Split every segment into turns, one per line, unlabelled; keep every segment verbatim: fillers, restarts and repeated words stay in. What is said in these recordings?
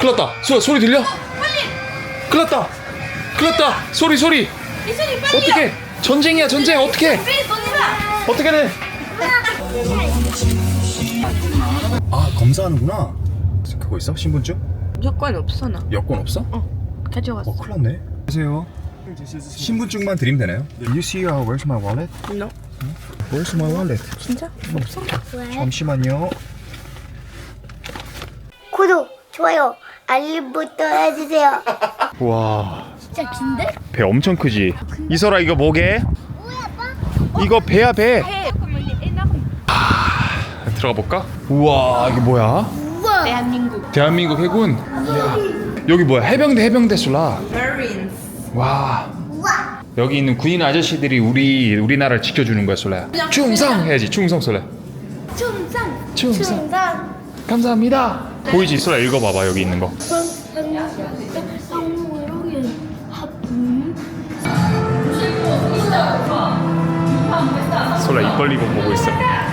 큰일 났다. 소, 소리 들려? 큰일 났다. 큰일 났다. 소리 소리. 어떻게? 전쟁이야 전쟁. 어떻게? 어떻게 돼? 아 검사하는구나. 그거 있어? 신분증?
여권 없어 나.
여권 없어?
어 가져왔어.
어 큰일 났네. 안녕하세요. 신분증만 드리면 되나요? You see uh, where's my wallet?
No.
Where's my wallet?
진짜? 없어?
잠시만요.
구독, 좋아요, 알림부터 해주세요.
와,
진짜 긴데?
배 엄청 크지? 이설아 이거 뭐게? 이거 배야 배. 아, 들어가 볼까? 우와 이게 뭐야?
우와.
대한민국.
대한민국 해군. 여기 뭐야? 해병대 해병대 술라.
Marines.
와. 여기 있는 군인 아저씨들이 우리 우리나라를 지켜주는 거야 솔라야. 충성 해야지 충성 솔라.
충성.
충성.
충성.
감사합니다. 보이지 솔라 읽어봐봐 여기 있는 거. 솔라 입 벌리고 보고 있어.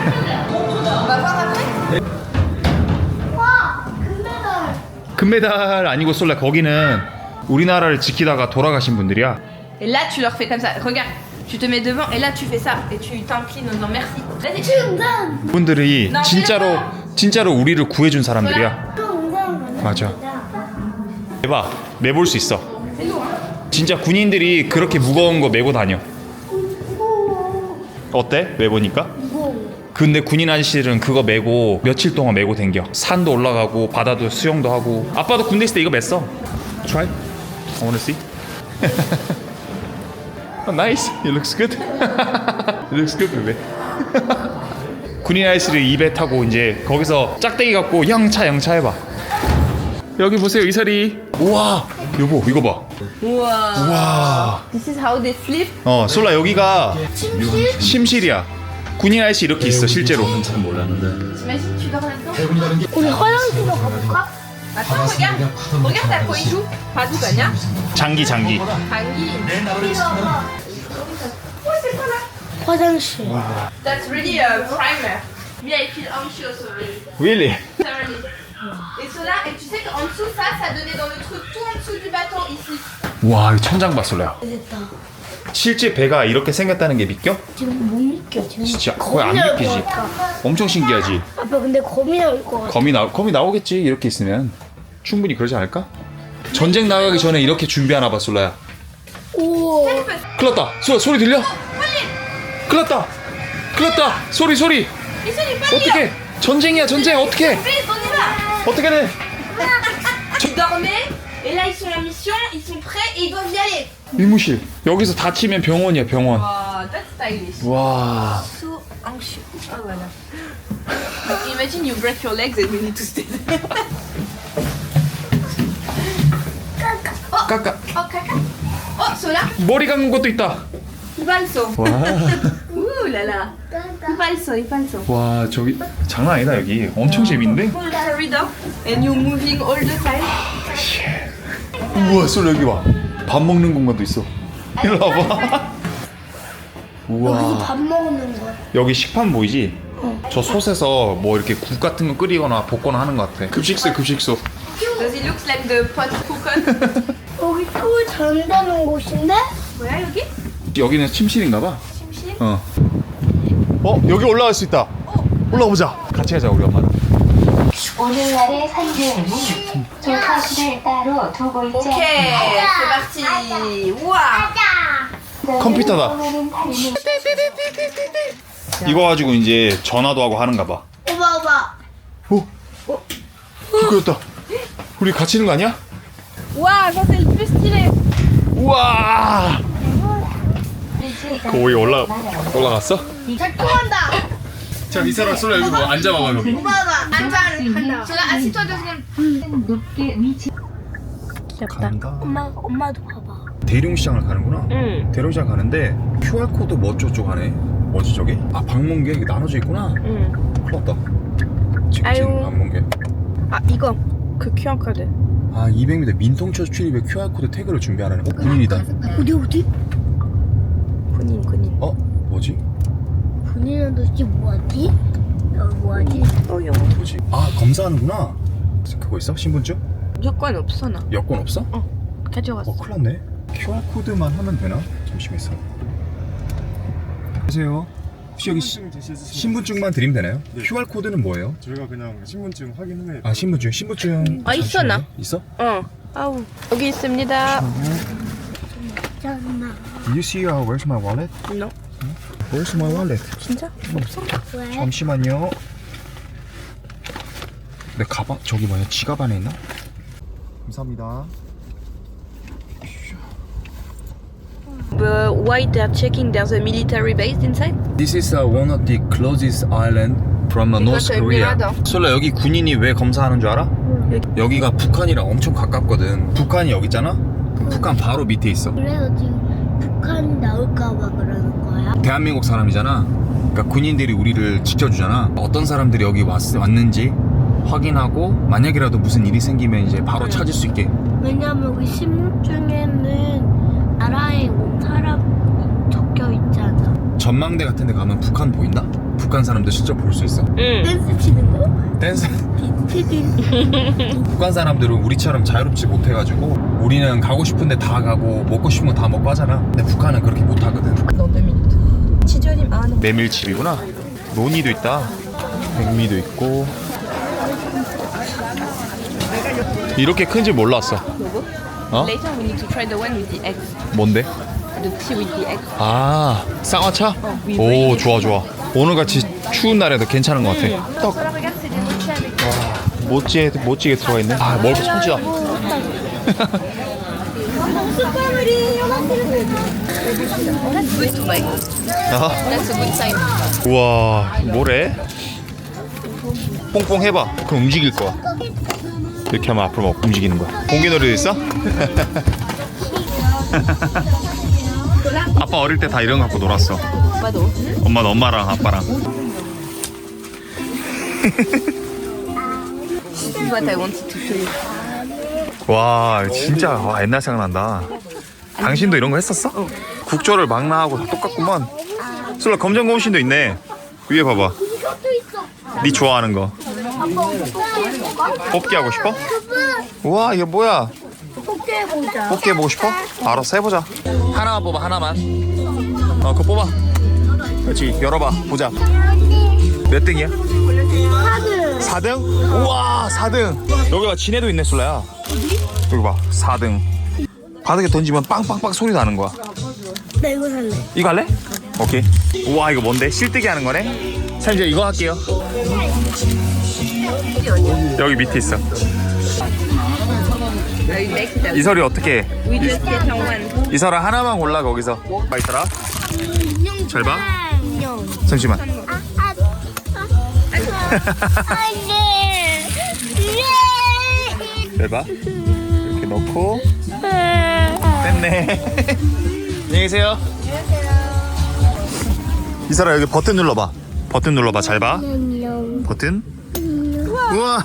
와, 금메달.
금메달 아니고 솔라 거기는 우리나라를 지키다가 돌아가신 분들이야.
Et là tu leur fais comme ça. Regarde, tu te mets devant et là tu fais ça et tu t'inclines en disant merci. Vas-y.
충성.
분들이 진짜로 진짜로 우리를 구해준 사람들이야.
충성.
맞아. 대박 매볼 수 있어. 진짜 군인들이 그렇게 무거운 거 메고 다녀. 어때? 메보니까? 근데 군인 아저씨들은 그거 메고 며칠 동안 메고 댕겨. 산도 올라가고 바다도 수영도 하고. 아빠도 군대 있을 때 이거 맸어. Try. I wanna see. Oh, nice. It looks good. It looks good, baby. 군인 아저씨를 입에 타고 이제 거기서 짝대기 갖고 영차 영차 해봐. 여기 보세요 이설이. 우와 여보 이거 봐.
Wow.
우와.
This is how they sleep.
어 솔라 여기가 침실이야. 군인 아저씨 이렇게 있어 실제로.
T'imagines tu dors là-dedans?
우리 화장실로 가볼까?
Attends, regarde. Regarde à quoi il joue. Pas tout gagna.
장기 장기.
Hangi.
화장실.
That's really a primer. Lui avec une anxious already.
Really?
Et cela, et tu sais qu'en dessous, ça, ça donnait dans le truc tout en dessous du bâton ici.
와, 이 천장 봐 솔라야.
됐다.
실제 배가 이렇게 생겼다는 게 믿겨?
지금 못 믿겨. 지금
진짜 거의 안
거미 나올
믿기지.
것 같아.
엄청 신기하지.
아빠 근데 거미 나올 것 같아.
거미 나 거미 나오겠지 이렇게 있으면 충분히 그러지 않을까? 전쟁 나가기 전에 이렇게 준비하나 봐 솔라야.
오.
큰일 났다. 소 소리 들려? 큰일 났다. 큰일 났다. 소리 소리. 어떻게? 전쟁이야 전쟁 어떻게?
Vite, on y va.
어떻게 돼?
Ils dormaient, et là ils sont en mission, ils sont prêts et ils doivent y aller.
의무실. 여기서 다치면 병원이야 병원.
Oh, that's stylish.
와.
So anxious. Oh voilà. Like, imagine you break your legs and you need to stay there.
까까.
Oh, caca. Oh, Sola.
머리 감은 것도 있다.
Il balso.
와.
Ouh là là. Il balso, il balso.
와 저기 장난 아니다 여기. 엄청 재밌는데?
Full corridor. And you're moving all the time.
우와 솔 여기 봐. 밥 먹는 공간도 있어. 일로 와봐.
여기서
우와.
밥 먹는 거야.
여기 식판 보이지? 저 솥에서 뭐 이렇게 국 같은 거 끓이거나 볶거나 하는 것 같아. 급식소 급식소.
Does it look like the pot cookon?
여기 꿀 잔다는 곳인데?
뭐야 여기?
여기는 침실인가 봐.
침실?
어. 어 여기 올라갈 수 있다. 올라가 보자. 같이 가자 우리 엄마랑.
오늘날의 선생님이 조카실을 따로 두고 있지
Ok, c'est parti. Ouah.
컴퓨터다. 이거 가지고 이제 전화도 하고 하는가 봐.
오빠 오빠.
오. 그거였다. 우리 같이 있는 거 아니야?
Ouah, ça c'est le plus stylé.
우와. 거기 올라 올라갔어?
잘 통한다.
자 이사람 솔라 여기 뭐 앉아봐봐 여기.
오빠 봐. 앉아.
Sola, assis-toi deux secondes.
높게 위치
간다.
엄마 엄마도 봐봐.
대룡시장을 가는구나.
응.
대룡시장 가는데 큐알 코드 뭐 어쩌고 하네. 뭐지 저게? 아 방문객 이게 나눠져 있구나.
응.
큰일 났다. 직진
아유.
방문객.
아 이거 그 큐알 코드.
아 이백 미터 민통철 출입에 큐알 코드 태그를 준비하라네. 어 군인이다.
어디 어디?
군인 군인.
어 뭐지?
군인은 도대체 뭐하지? 여기 뭐하지?
어 영어.
뭐지? 아 검사하는구나. 그거 있어? 신분증?
여권 없어 나.
여권 없어?
가져갔어.
어, 큰일 났네. 큐알 코드만 하면 되나? 잠시만 있어. 안녕하세요. 혹시 여기 시, 신분증만 드리면 되나요?
네.
큐알 코드는 뭐예요?
저희가 그냥 신분증 확인 후에
아, 신분증. 신분증.
아, 있어, 나.
있어?
어. 아우. 여기 있습니다.
잠깐만.
You see uh, where's my wallet?
No.
Where's my wallet?
진짜?
왜?
잠시만요. 내 가방 저기 뭐야? 지갑 안에 있나? 감사합니다.
But why they're checking there's a military base inside?
This is uh, one of the closest island from uh, North
이것도
Korea.
유명하다.
솔라 여기 군인이 왜 검사하는 줄 알아? 여기가 북한이랑 엄청 가깝거든. 북한이 여기 있잖아? 북한 바로 밑에 있어.
그래서 지금 북한이 나올까봐 그러는 거야?
대한민국 사람이잖아. 그러니까 군인들이 우리를 지켜주잖아. 어떤 사람들이 여기 왔, 왔는지 확인하고 만약이라도 무슨 일이 생기면 이제 바로 찾을 수 있게.
왜냐면 우리 신분증에는 나라에 온 사람 적혀 있잖아.
전망대 같은 데 가면 북한 보인다? 북한 사람들 실제 볼 수 있어.
응.
댄스 치는 거?
댄스.
피디.
북한 사람들은 우리처럼 자유롭지 못해가지고 우리는 가고 싶은데 다 가고 먹고 싶은 거 다 먹고 하잖아. 근데 북한은 그렇게 못하거든. 메밀칩이구나. 노니도 있다. 백미도 있고. 이렇게 큰지 몰랐어. 어?
Later we need to try the one with the eggs.
뭔데?
The tea with the eggs.
아, 쌍화차?
we
오,
really
좋아 좋아. 오늘같이 추운 날에도 괜찮은 것 같아. 떡.
Regarde, c'est des mochis avec.
멋지게 멋지게 들어가 있네. 아, 먹을 거 손질아.
That's good to buy.
아,
That's a good sign.
우와, 뭐래? 뽕뽕 해봐. 그럼 움직일 거야. 이렇게 하면 앞으로 막 움직이는 거야. 공개놀이도 있어? 아빠 어릴 때 다 이런 거 갖고 놀았어.
오빠도.
엄마는 엄마랑 아빠랑.
This is what I wanted to show you.
와, 진짜 와, 옛날 생각난다. 당신도 이런 거 했었어? 국조를 막 나하고 다 똑같구만. 솔라 검정고무신도 있네. 위에 봐봐. 네 좋아하는 거. 뽑기 하고 싶어? 우와, 이게 뭐야?
뽑기 해보자.
뽑기 해보고 싶어? 알았어, 해보자. 하나만 뽑아, 하나만. 어, 그거 뽑아. 그렇지, 열어봐, 보자. 몇 등이야? 사 등? 우와, 사 등. 여기가 진해도 있네, 솔라야. 여기 봐, 사 등. 바닥에 던지면 빵빵빵 소리 나는 거야.
나 이거 살래.
이거 할래? 오케이. 우와, 이거 뭔데? 실뜨기 하는 거네? 자, 이제 이거 할게요. 여기 밑에 있어. 이설이 어떻게 해?
We just get on one.
이설아 하나만 골라 거기서. 봐, 이설아. 잘 봐.
안녕.
잠시만.
안돼.
잘 봐. 이렇게 넣고 됐네. 안녕히 계세요. 이설아 여기 버튼 눌러봐. 버튼 눌러봐. 잘 봐.
안녕.
버튼. 우와.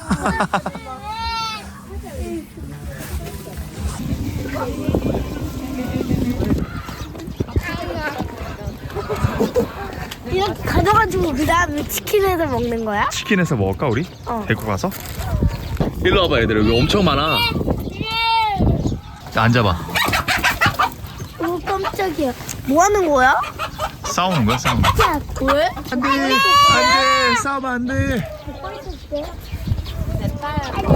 이렇게 가져가지고 그 다음에 치킨에서 먹는 거야?
치킨에서 먹을까 우리?
어.
데리고 가서? 일로 와봐 얘들아. 여기 엄청 많아. 자, 앉아봐.
오 깜짝이야. 뭐 하는 거야?
싸우는 거야 싸우는 거야.
야, 왜?
안돼 안돼 싸우면 안돼.
안녕.